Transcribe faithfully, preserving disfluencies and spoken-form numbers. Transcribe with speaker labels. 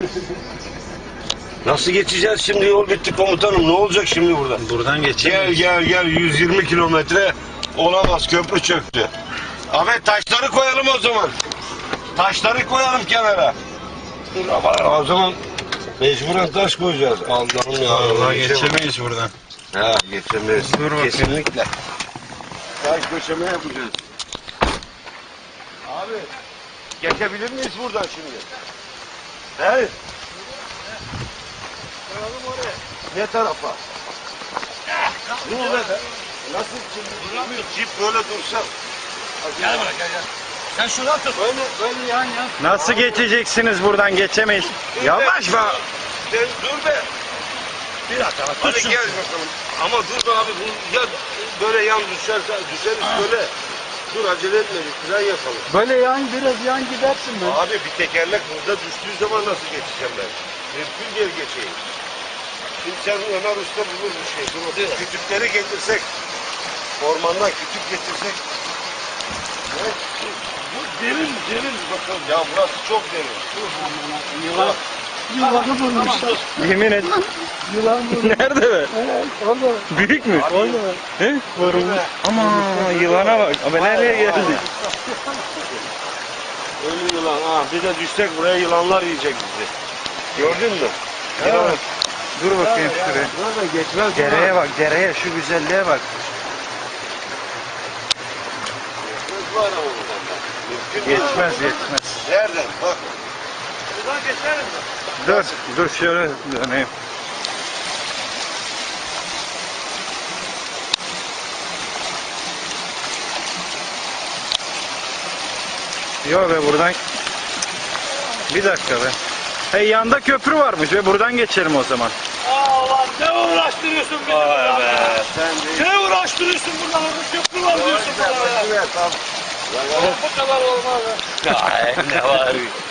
Speaker 1: Nasıl geçeceğiz şimdi? Yol bitti komutanım. Ne olacak şimdi buradan?
Speaker 2: Buradan
Speaker 1: Gel
Speaker 2: geçemeyiz.
Speaker 1: gel gel. yüz yirmi kilometre olamaz. Köprü çöktü. Ahmet taşları koyalım o zaman. Taşları koyalım kenara. Dur ama o zaman mecburen taş koyacağız. Allah'ım ya.
Speaker 2: Vallahi
Speaker 1: Geçemem.
Speaker 2: geçemeyiz buradan.
Speaker 1: Ha geçemeyiz.
Speaker 2: Dur bakayım.
Speaker 1: Kesinlikle. Taş döşeme yapacağız. Abi geçebilir miyiz buradan şimdi? He? Koyalım oraya. Ne tarafa? Ne olur? Nasıl şimdi? Cip böyle dursa.
Speaker 3: Gel bana gel gel. Sen şuradan tut.
Speaker 1: Böyle böyle yan yan.
Speaker 2: Nasıl geçeceksiniz buradan? Geçemeyiz. Yavaş be.
Speaker 1: Sen dur be.
Speaker 3: Bir dakika bak.
Speaker 1: Hadi
Speaker 3: Tut şunu.
Speaker 1: gel bakalım. Ama dur be abi bu ya böyle yan düşerse düşeriz böyle. Dur acele etme bir fren yapalım.
Speaker 4: Böyle yan biraz yan gidersin ben.
Speaker 1: Abi bir tekerlek burada düştüğü zaman nasıl geçeceğim ben? Mümkün değil geçeyim. Şimdi sen Ömer Usta bulur bir şey. Dur bakayım. Kütükleri getirsek. Ormandan kütük getirsek. Ne? Bu derin derin bakalım. Ya burası çok derin.
Speaker 4: Yılan. Yılanı bulmuşlar.
Speaker 2: Yemin et.
Speaker 4: Yılan bulmuşlar.
Speaker 2: Nerede be?
Speaker 4: Evet, orada.
Speaker 2: Büyük mü?
Speaker 4: Orada.
Speaker 2: He? Ama yılana bak. Abi nereye geldik?
Speaker 1: Ölü yılan. Ha, bir de düşsek buraya yılanlar yiyecek bizi. Gördün mü? Yılan.
Speaker 2: Dur bakayım şuraya.
Speaker 4: Burada geçmez.
Speaker 2: Dereye bak, dereye. Şu güzelliğe bak.
Speaker 1: Var ama buradan. Mümkün değil.
Speaker 2: Geçmez, geçmez.
Speaker 1: Nereden? Bak.
Speaker 3: Buradan geçelim mi?
Speaker 2: Dur, dur şöyle döneyim. Yok be buradan. Bir dakika be. Hey yanda köprü varmış ve buradan geçelim o zaman.
Speaker 3: Allah ne uğraştırıyorsun bizi buradan ya?
Speaker 1: Sen de.
Speaker 3: Ne uğraştırıyorsun buradan? Orada köprü var diyorsun bana ya.
Speaker 1: Evet, tamam.
Speaker 3: Bu kadar olmaz ya.
Speaker 2: Ne var?